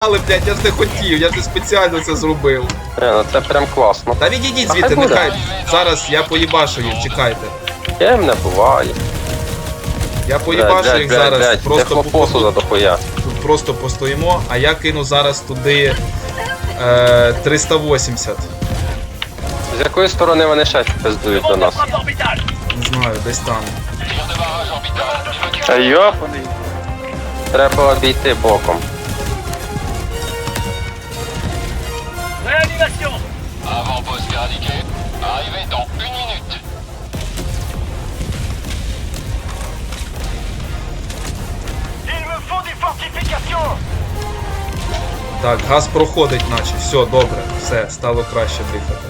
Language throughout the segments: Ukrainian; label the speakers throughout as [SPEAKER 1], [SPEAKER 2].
[SPEAKER 1] Але, блядь, я ж не хотів, я ж не спеціально це зробив.
[SPEAKER 2] Ну це прям класно.
[SPEAKER 1] Та відійдіть звідти, нехай. Зараз я поїбашу їх, чекайте.
[SPEAKER 2] Ким не буває.
[SPEAKER 1] Я поїбашу їх зараз, просто
[SPEAKER 2] посуда дохуя.
[SPEAKER 1] тут просто постоїмо, а я кину зараз туди 380.
[SPEAKER 2] З якої сторони вони ще пиздують до нас?
[SPEAKER 1] Не знаю, десь там.
[SPEAKER 3] Та йопаний.
[SPEAKER 2] Треба обійти боком.
[SPEAKER 4] Réanimation.
[SPEAKER 5] Avant-poste éradiqué. Arrivé dans 1 minute.
[SPEAKER 4] Il me faut des fortifications.
[SPEAKER 1] Так, газ проходить наче. Все, добре, все, стало краще дихати.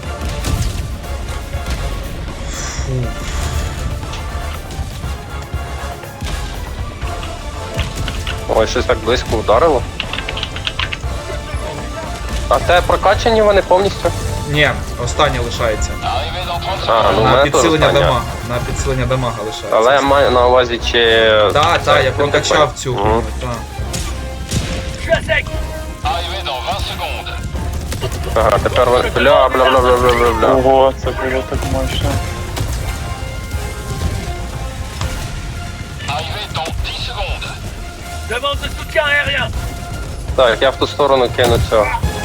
[SPEAKER 1] Фу.
[SPEAKER 2] Ой, щось так близько ударило. А те прокачані вони повністю?
[SPEAKER 1] Ні, останнє лишається.
[SPEAKER 5] Arrivé dans 30
[SPEAKER 2] А,
[SPEAKER 5] secondes.
[SPEAKER 2] ну в
[SPEAKER 1] На
[SPEAKER 2] мене теж
[SPEAKER 1] підсилення
[SPEAKER 2] остання.
[SPEAKER 1] дамага. На підсилення дамага лишається.
[SPEAKER 2] Але я маю на увазі, чи...
[SPEAKER 1] Так,
[SPEAKER 2] це
[SPEAKER 1] я прокачав цю.
[SPEAKER 2] Мгм.
[SPEAKER 1] Так.
[SPEAKER 4] Je suis à sec.
[SPEAKER 5] Arrivé dans 20 secondes.
[SPEAKER 2] Ага, тепер ви... Бля.
[SPEAKER 3] Ого, це було так мощно.
[SPEAKER 5] Arrivé dans 10 secondes.
[SPEAKER 4] Demande de soutien aérien.
[SPEAKER 2] Так, я в ту сторону кину цього.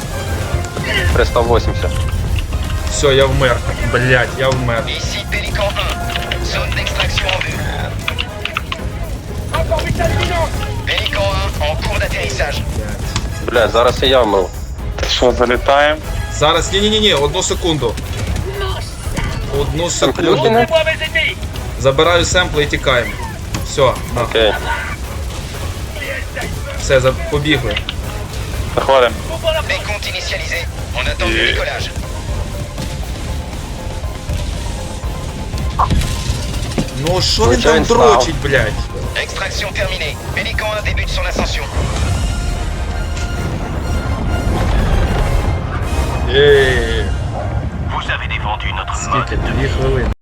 [SPEAKER 2] 380.
[SPEAKER 1] Все, я вмер. Блять, я вмер.
[SPEAKER 5] Ici Pélican 1. Zone d'extraction en vue.
[SPEAKER 4] Encore vital imminent.
[SPEAKER 5] Pélican 1 en cours d'atterrissage.
[SPEAKER 2] Бля, зараз і я вмру.
[SPEAKER 3] Що, залітаємо?
[SPEAKER 1] Зараз, ні, одну секунду. Одну секунду.
[SPEAKER 2] Плюхіна?
[SPEAKER 4] Montrez-moi mes ennemis.
[SPEAKER 1] Забираю семпли і тікаємо. Все, на.
[SPEAKER 2] Окей.
[SPEAKER 1] Все, побігли.
[SPEAKER 3] Заходимо.
[SPEAKER 4] Comprends la
[SPEAKER 5] Décompte initialisé. On attend le décollage.
[SPEAKER 1] Ну що він
[SPEAKER 2] Нічого
[SPEAKER 1] там
[SPEAKER 2] він став.
[SPEAKER 1] дрочить, блядь?
[SPEAKER 5] Extraction terminée. Pélican 1 débute son ascension.
[SPEAKER 1] Єй.
[SPEAKER 4] Vous avez défendu notre
[SPEAKER 1] Скільки? 2 хвилини.